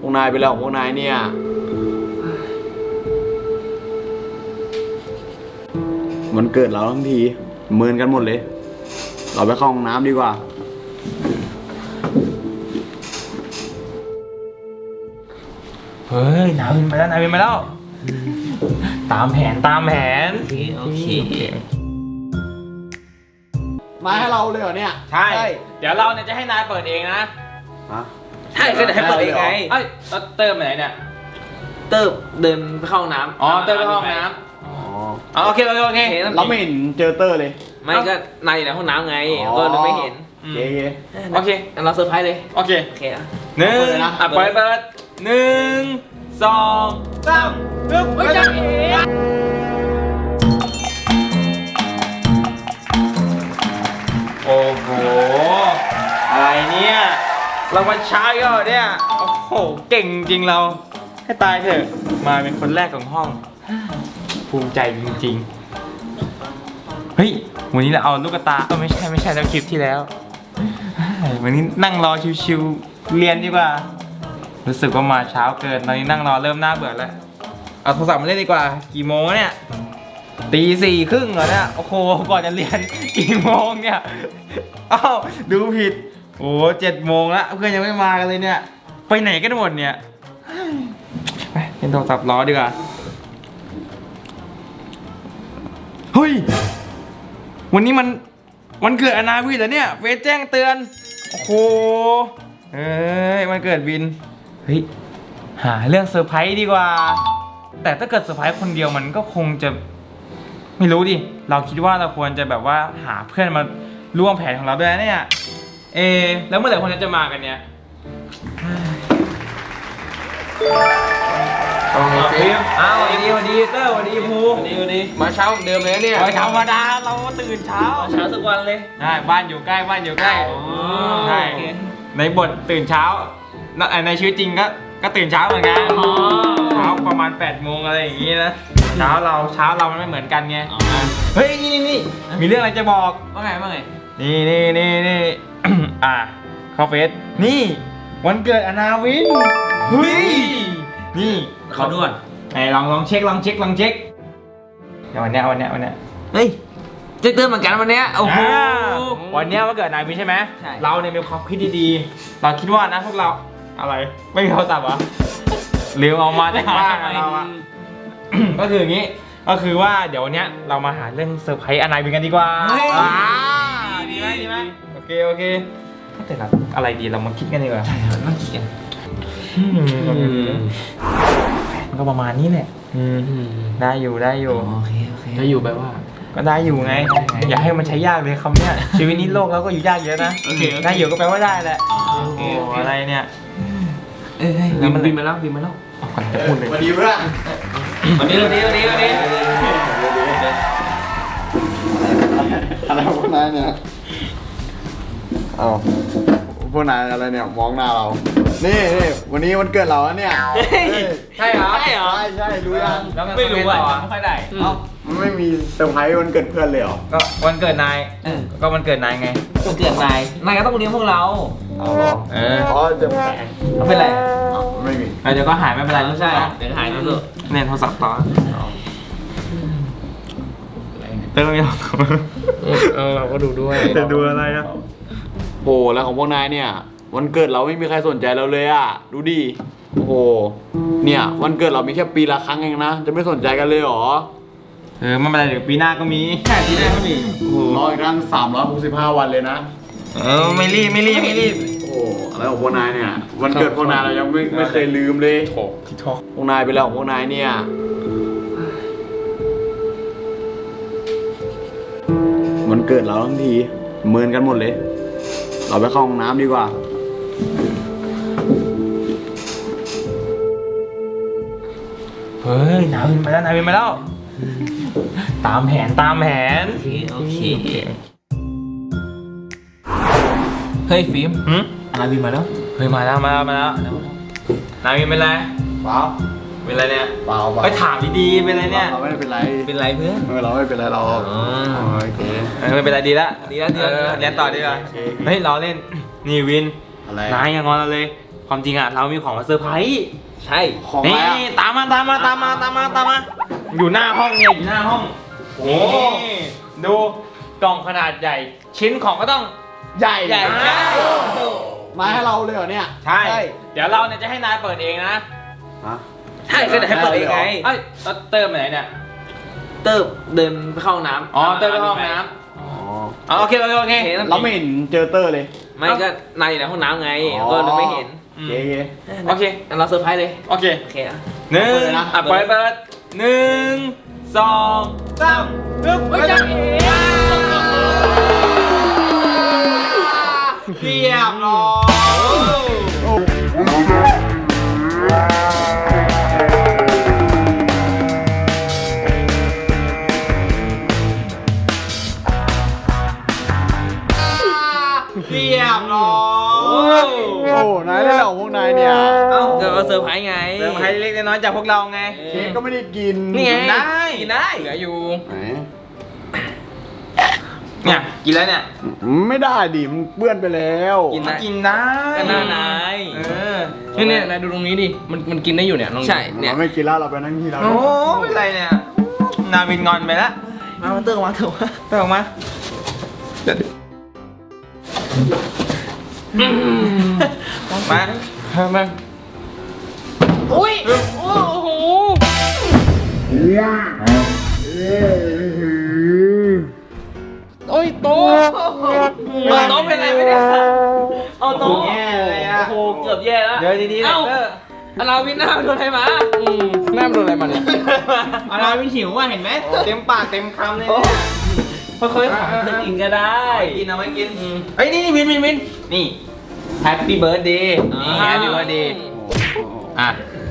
วกนายไปแล้วของพวกนายเนี่ยมันเกิดเราทั้งทีเมินกันหมดเลยเราไปเข้าห้องน้ำดีกว่าเฮ้ยนาวินมาแล้วนาวินมาแล้วตามแผนโอเคมาให้เราเลยเหรอเนี่ยใช่เดี๋ยวเราเนี่ยจะให้นายเปิดเองนะใช่ก็เดี๋ยวให้เปิดเองไงเอ้ยเติมไปไหนเนี่ยเติมเดินไปเข้าห้องน้ำอ๋อเติมไปเข้าห้องน้ำโอเคเราไม่เห็นเจอเตอร์เลยไม่ก็นายอยู่ในห้องน้ำไงก็เลยไม่เห็นโอเคเราเซอร์ไพรส์เลยโอเคหนึ่งเปิด1 2 3ปึ๊บเฮ้ยจังเองโอ้โหอะไรเนี่ยเรามาช้าก็เนี่ยโอ้โหเก่งจริงเราให้ตายเถอะมาเป็นคนแรกของห้องภูมิใจจริงๆเฮ้ยวันนี้เราเอาลูกตาไม่ใช่แล้วคลิปที่แล้ววันนี้นั่งรอชิวๆเรียนดีกว่ารู้สึกว่ามาเช้าเกินตอนนี้นั่งรอเริ่มน่าเบื่อแล้วเอาโทรศัพท์มาเล่นดีกว่ากี่โมงเนี่ย4:30เหรอเนี่ยโอ้โหก่อนจะเรียนกี่โมงเนี่ยอ้าวดูผิดโอ้7 โมงแล้วเพื่อนยังไม่มากันเลยเนี่ยไปไหนกันหมดเนี่ยไปเล่นโทรศัพท์รอดีกว่าเฮ้ยวันนี้มันเกิดอนาวินเหรอเนี่ยเฟซแจ้งเตือนโอ้โหเฮ้ยมันเกิดวินเฮ้ยหาเรื่องเซอร์ไพรส์ดีกว่าแต่ถ้าเกิดเซอร์ไพรส์คนเดียวมันก็คงจะไม่รู้ดิเราคิดว่าเราควรจะแบบว่าหาเพื่อนมาร่วมแผนของเราด้วยนะเนี่ยแล้วเมื่อไหร่คนจะมากันเนี่ยวันดีเตอร์วันดีภูวันดีมาเช้าเดิมเลยเนี่ยธรรมดาเราตื่นเช้าทุกวันเลยใช่บ้านอยู่ใกล้ใช่ในบทตื่นเช้าในชีวิตจริงก็ตื่นเช้าเหมือนกันเช้าประมาณ8 โมงอะไรอย่างงี้นะเช้าเรามันไม่เหมือนกันไงเฮ้ยนี่มีเรื่องอะไรจะบอกว่าไงนี่เข้าเฟซนี่วันเกิดอนาวินเฮ้ยนี่เขาด่วนไหนลองเช็คเดี๋ยววันเนี้ยเฮ้ยจะเติมเหมือนกันวันเนี้ยโอ้โหวันเนี้ยวันเกิดนายวินใช่ไหมใช่เราเนี่ยมีความคิดดีๆเราคิดว่านะพวกเราอะไรไม่มีโทรศัพท์เหรอลืมเอามาจากบ้านเราอะก็คืออย่างนี้ก็คือว่าเดี๋ยววันเนี้ยเรามาหาเรื่องเซอร์ไพรส์อนาวินกันดีกว่าดีไหมโอเคแต่เราอะไรดีเรามาคิดกันดีกว่ามาคิดกันมันก็ประมาณนี้แหละได้อยู่โอเคได้อยู่แปลว่าก็ได้อยู่ไงอย่าให้มันใช้ยากเลยคำเนี้ยชีวิตนี้โลกเราก็อยู่ยากเยอะนะได้อยู่ก็แปลว่าได้แหละอะไรเนี่ยบินมาแล้วก่อนจะพูดเลยวันดีเพื่อนวันนี้อะไรพวกนายเนี่ยพวกนายอะไรเนี่ยมองหน้าเรานี่วันนี้วันเกิดเราเนี่ยใช่เหรอใช่รู้ยังไม่รู้อ่ะไม่ค่อยได้มันไม่มีเซอร์ไพรส์วันเกิดเพื่อนเลยเหรอก็วันเกิดนายก็วันเกิดนายไงวันเกิดนายก็ต้องเลี้ยงพวกเราจะแปลกเป็นไรไม่มีเดี๋ยวก็หายไม่เป็นไรรู้ใช่เดี๋ยวหายรู้เนี่ยโทรศัพท์ต่อเติมยังเราก็ดูด้วยจะดูอะไรอ่ะโหแล้วของพวกนายเนี่ยวันเกิดเราไม่มีใครสนใจเราเลยอ่ะดูดิโอ้โหเนี่ยวันเกิดเรามีแค่ปีละครั้งเองนะจะไม่สนใจกันเลยหรอไม่เป็นไรเดี๋ยวปีหน้าก็มีปีหน้าก็มีรออีกครั้ง365 วันเลยนะไม่รีบโอ้อะไรของพวกนายเนี่ยวันเกิดพวกนายเรายังไม่เคยลืมเลยที่ทอกพวกนายไปแล้วของพวกนายเนี่ยวันเกิดเราทั้งทีเมินกันหมดเลยเราไปเข้าห้องน้ำดีกว่าเฮ้ยนาวินมาแล้วตามแผนโอเคเฮ้ยฟิล์มนาวินมาแล้วเฮ้ยมาแล้วนาวินเป็นไรเปล่าเป็นไรเนี่ยเปล่าไปถามดีๆเป็นไรเนี่ยเราไม่เป็นไรเพื่อนเราไม่เป็นไรเราโอเคไม่เป็นไรดีละเรียนต่อดีกว่าเฮ้ยเราเล่นนี่วินนายยังงอนเราเลยความจริงอ่ะเรามีของมาเซอร์ไพรส์ใช่ของอะไรนี่อะตามมาอยู่หน้าห้องเนี่ยอยู่หน้าห้องโอ้ดูกล่องขนาดใหญ่ ชิ้นของก็ต้องใหญ่ใหญ่มาให้เราเลยเหรอเนี่ยใช่เดี๋ยวเราเนี่ยจะให้นายเปิดเองนะฮะใช่ก็เดี๋ยวให้เปิดเองไงเอ้ยแล้วเติมไปไหนเนี่ยเติบเดินไปเข้าห้องน้ำอ๋อเติมไปห้องน้อ๋อำอ๋อโอเคโอเคโอเคเราไม่เห็นเจอเตอร์เลยไม่ก็นายอยู่ในห้องน้ำไงอ๋อก็เลยไม่เห็นเย้เย้โอเคงั้นเราเซอร์ไพรส์เลยโอเคโอเคอ่ะหนึ่งเปิดเลยนะอ่ะเปิดหนึ่งสองสามปึ๊บเฮ้ยจ๊ะเอ๋เรียบร้อย เรียบร้อยโอ้นายได้เหรอพวกนายเนี่ยเอ้าก็เซอร์ไพรส์ไงเซอร์ไพรส์เล็กๆน้อยๆจากพวกเราไงเค้กก็ไม่ได้กินนี่ไงได้กินได้เหลืออยู่ไหนเนี่ยกินแล้วเนี่ยไม่ได้ดิมันเปื้อนไปแล้วกินได้กินได้ก็น่านายเออเนี่ยนายดูตรงนี้ดิ มันกินได้อยู่เนี่ยลองดูใช่เนี่ยเราไม่กินแล้วเราไปนั่งที่เราโอ้ไม่เป็นไรเนี่ยนาวินงอนไปแล้วมาเติมมาเถอะไปออกมามาอุ้ย โอ้โห โอ้ยโตะเอาโต๊ะเป็นไรไม่ได้เอาโต๊ะแย่เลยอ่ะโอ้โหเกือบแย่แล้วเดี๋ยวดีๆเลยเอ้าเอออาราวินหน้าไปโดนอะไรมาหน้ามันโดนอะไรมาเนี่ยอาราวินหิวว่ะเห็นไหมเต็มปากเต็มคำเลยโอ้เนี่ยค่อยๆขอเธอกินก็ได้กินเอาไว้กินเฮ้ยนี่วินนี่ Happy Birthday นี่ Happy Birthday อ่ะ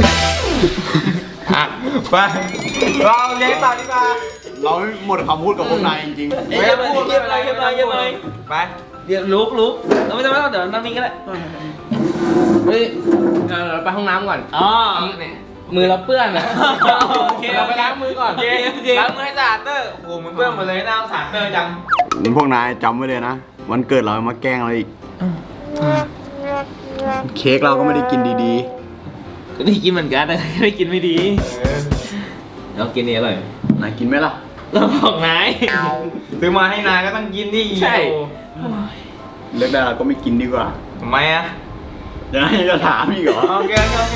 อ่ะไปเราเลี้ยงต่อดีกว่าเราไม่หมดคำพูดกับพวกนายจริงไม่ต้องพูดเก็บอะไรไปไปเดี๋ยวลุกเราไม่ต้องเดี๋ยวนั่งนี่ก็ได้เฮ้ยเราไปห้องน้ำก่อนอ๋อเนี่ยมือเราเปื้อนอ่ะโอเคเราไปล้างมือก่อนโอเคล้างมือให้สะอาดเตอร์โอ้โหมึงเปื้อนหมดเลยน่าสงสารเตอร์จังๆพวกนายจำไว้เลยนะวันเกิดเรามาแกล้งเราอีกเค้กเราก็ไม่ได้กินดีก็ได้กินเหมือนกันแต่ไม่กินไม่ดีเรากินนี่อร่อยๆนายกินไหมล่ะเราบอกนายซื้อมาให้นายก็ต้องกินดิใช่เลือกได้เราก็ไม่กินดีกว่าทำไมอ่ะเดี๋ยวนายจะถามอีกเหรอโอเคโอเค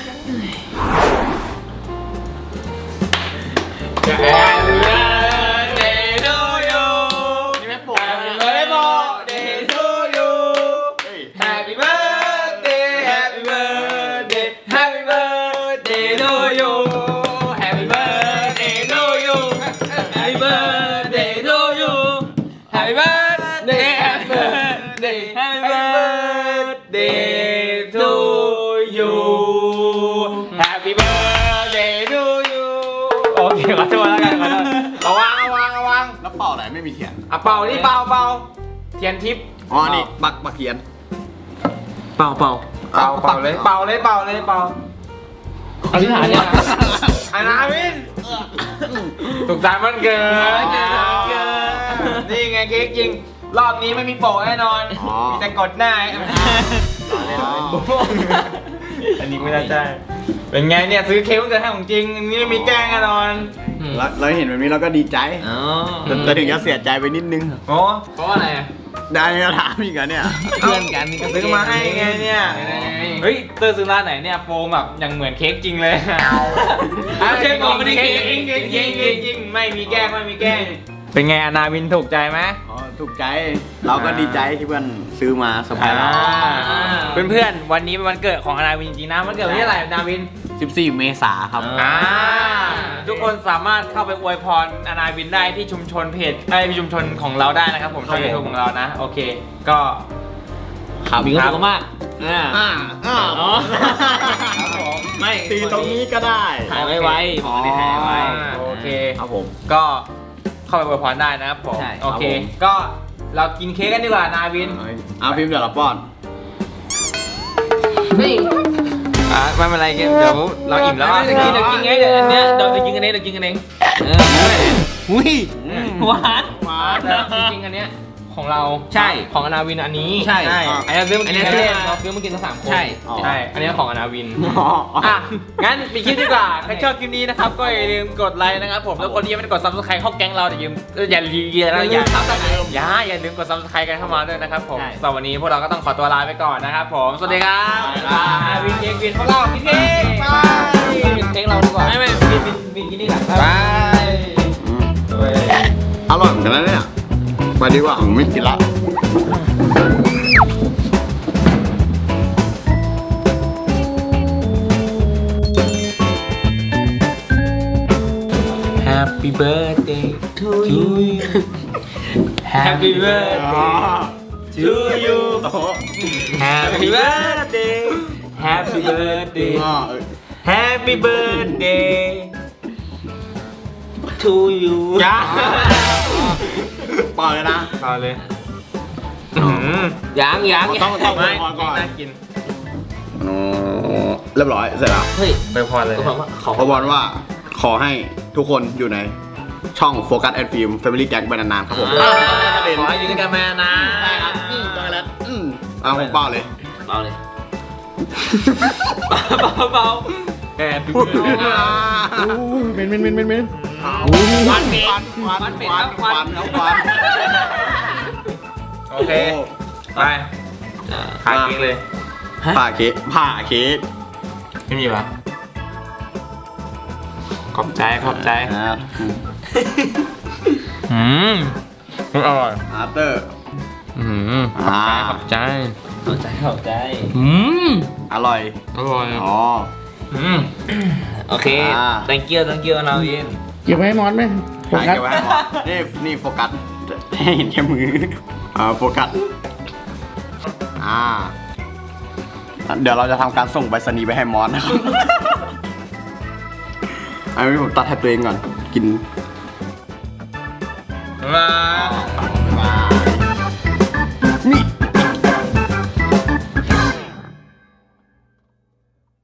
Happy birthday to you นี่ไม่ปลุก Happy birthday to you Happy birthday Happy birthday Happy birthday to you Happy birthday to you Happy birthday to you Happy birthday Happy birthday Happy birthday to you Happy birthday to you โอเคขอโทษแล้วกันขอโทษเอาวางแล้วเป่าไหนไม่มีเทียนอ่ะเป่านี่เป่าเทียนทิพย์อ๋อนี่ปักเทียนเป่าเป่าเลยเป่าอธิษฐานเนี่ยอานาวินสุขสันต์วันเกิดนี่ไงเค้กจริง รอบนี้ไม่มีโปะแน่นอนอ๋อมีแต่กดหน้าอันนี้ไม่น่าใช่เป็นไงเนี่ยซื้อเค้กวันเกิดให้ของจริงอันนี้ไม่มีแกล้งแน่นอนแล้วเราเห็นแบบนี้เราก็ดีใจอ๋อแต่ถึงจะเสียใจไปนิดนึงโอ้เพราะว่าอะไรอ่ะได้จะถามอีกเหรอเนี่ยเพื่อนกันนี่ก็ซื้อมาให้ไงเนี่ย เฮ้ยเตอร์ซื้อร้านไหนเนี่ยโฟมแบบอย่างเหมือนเค้กจริงเลยเค้กบอกไม่ได้เค้กจริงไม่มีแกล้งเป็นไงอนาวินถูกใจไหมอ๋อถูกใจ เราก็ดีใจที่เพื่อนซื้อมาเซอร์ไพรส์เราเพื่อนๆวันนี้เป็นวันเกิดของอนาวินจริงๆนะวันเกิดวันที่เท่าไหร่อนาวิน 14 เมษาครับทุกคนสามารถเข้าไปอวยพรอนาวินได้ที่ชุมชนเพจที่ชุมชนของเราได้นะครับผมช่องยูทูบของเรานะโอเคก็ครับมีความสุขมากอ๋อไม่ตีตรงนี้ก็ได้หายไวๆบอกได้หายไวโอเคครับผมก็เข้าไปอวยพรได้นะครับผมใช่โอเคครับผมก็เรากินเค้กกันดีกว่านาวินเอาพิมพ์เดี๋ยวเราป้อนเฮ้ยไม่เป็นไรเดี๋ยวเราอิ่มแล้วเดี๋ยวกินไงเดี๋ยวอันเนี้ยเดี๋ยวกินกันเองเดี๋ยวกินกันเองอุ้ยหวานมาแต่จริงๆอันเนี้ยของเราใช่ของอนาวินอันนี้ใช่อันนี้ซื้อมากินอันนี้กันซื้อเราซื้อมากินทั้ง3 คนใช่ใช่ อันนี้ของอนาวิน อ่ะ งั้นไปคลิปดีกว่า ใครชอบคลิปนี้นะครับ ก็อย่าลืมกดไลค์นะครับผม แล้วคนที่ยังไม่ได้กด subscribe เข้าแก๊งเราอย่าลืมกด subscribe กันเข้ามาด้วยนะครับผมสำหรับวันนี้พวกเราก็ต้องขอตัวลาไปก่อนนะครับผม สวัสดีครับวินเค้กวินพวกเราวินเค้กบายวินเค้กเราดีกว่าไม่วินกินนี่ก่อนบายอร่อยเหมือนกันนะเนี่ยไปดีกว่าผมไม่กินละ Happy birthday to you Happy birthday to you Happy birthday Happy birthday Happy birthday to you จ้าเปล่าเลยนะต่อเลยยังต้องไม่ก่อนน่ากินเรียบร้อยเสร็จแล้วเฮ้ยไปพอเลยก็บอกว่าขอขอบอลว่าขอให้ทุกคนอยู่ในช่องโฟกัสแอนด์ฟิล์มแฟมิลี่แก๊งไปนานๆครับผมขอให้อยู่ด้วยกันมานะใช่ครับช็อกโกแลตเอาผมเปล่าเลยเบาเลยเบาแอบดูเม็นวันเป็ดวันเป็ดควันโอเค ไปพาเค้กเลยผ่าเค้กไม่มีปะขอบใจออือร่อยอาร์เตอร์ขอบใจเข้าใจอร่อยอร่อยอ๋อโอเค thank you นะวินเก็บไว้ให้มอสไหมโฟกัสเก็บไว้ให้หมดนี่โฟกัสให้เห็นแค่มือโฟกัสเดี๋ยวเราจะทำการส่งไปรษณีย์ไปให้มอสนะครับอันนี้ผมตัดให้ตัวเองก่อนกินมา